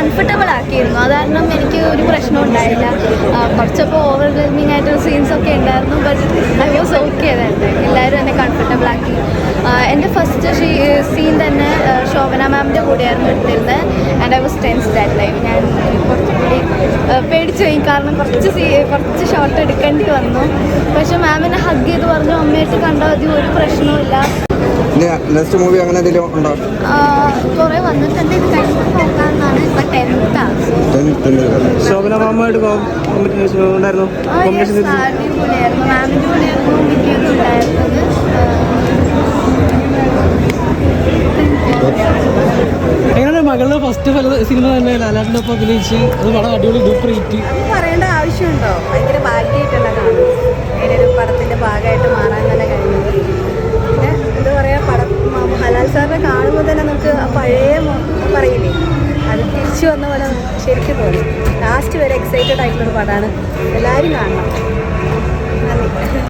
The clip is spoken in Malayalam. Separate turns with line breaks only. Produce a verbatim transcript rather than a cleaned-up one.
കംഫർട്ടബിൾ ആക്കിയിരുന്നു. അത് കാരണം എനിക്ക് ഒരു പ്രശ്നം ഉണ്ടായില്ല. കുറച്ചപ്പോൾ ഓവർവെൽമിങ് ആയിട്ടുള്ള സീൻസൊക്കെ ഉണ്ടായിരുന്നു. ബട്ട് ഐ വാസ് ഓക്കെ തന്നെ. എല്ലാവരും എന്നെ കംഫർട്ടബിൾ ആക്കി. എൻ്റെ ഫസ്റ്റ് സീൻ തന്നെ ശോഭന മാമിൻ്റെ കൂടെയായിരുന്നു എടുത്തിരുന്നത്. And I was tense that time. ഞാൻ കുറച്ചുകൂടി പേടിച്ചു പോയി, കാരണം കുറച്ച് സീ കുറച്ച് ഷോട്ട് എടുക്കേണ്ടി വന്നു. പക്ഷെ മാമിനെ ഹഗ് ചെയ്ത് പറഞ്ഞു അമ്മയായിട്ട് കണ്ടാൽ മതി, ഒരു പ്രശ്നവുമില്ല.
നെക്സ്റ്റ് മൂവി അങ്ങനെ എന്തെങ്കിലും ഉണ്ടോ?
കുറേ വന്നിട്ടുണ്ട്. ഇത് കഴിഞ്ഞിട്ട് നോക്കാമെന്നാണ്. ഇപ്പം ടെൻത്താണ്.
ശോഭന മാമായിട്ട് ഉണ്ടായിരുന്നു.
അടിപൊളിയായിരുന്നു. മാമിൻ്റെ കൂടെയായിരുന്നു വിദ്യൊക്കെ ഉണ്ടായിരുന്നത്.
എങ്ങനെ മകളുടെ ഫസ്റ്റ് സിനിമ തന്നെ ലാലാട്ടിൻ്റെ ഒപ്പം അഭിനയിച്ച് അത് വളരെ അടിപൊളി ഡൂപ്പർ ഹിറ്റ്.
പറയേണ്ട ആവശ്യമുണ്ടോ? ഭയങ്കര ഭാഗ്യമായിട്ടുള്ള കാണും. അങ്ങനെ ഒരു പടത്തിൻ്റെ ഭാഗമായിട്ട് മാറാൻ തന്നെ കഴിഞ്ഞത്. പിന്നെ എന്താ പറയുക, പടം ഹലാൽ സാറിനെ കാണുമ്പോൾ തന്നെ നമുക്ക് ആ പഴയ പറയില്ലേ, അത് തിരിച്ചു വന്ന പോലെ ശരിക്കും തോന്നി. ലാസ്റ്റ് വരെ എക്സൈറ്റഡ് ആയിട്ടുള്ളൊരു പടമാണ്. എല്ലാവരും കാണണം. നന്ദി.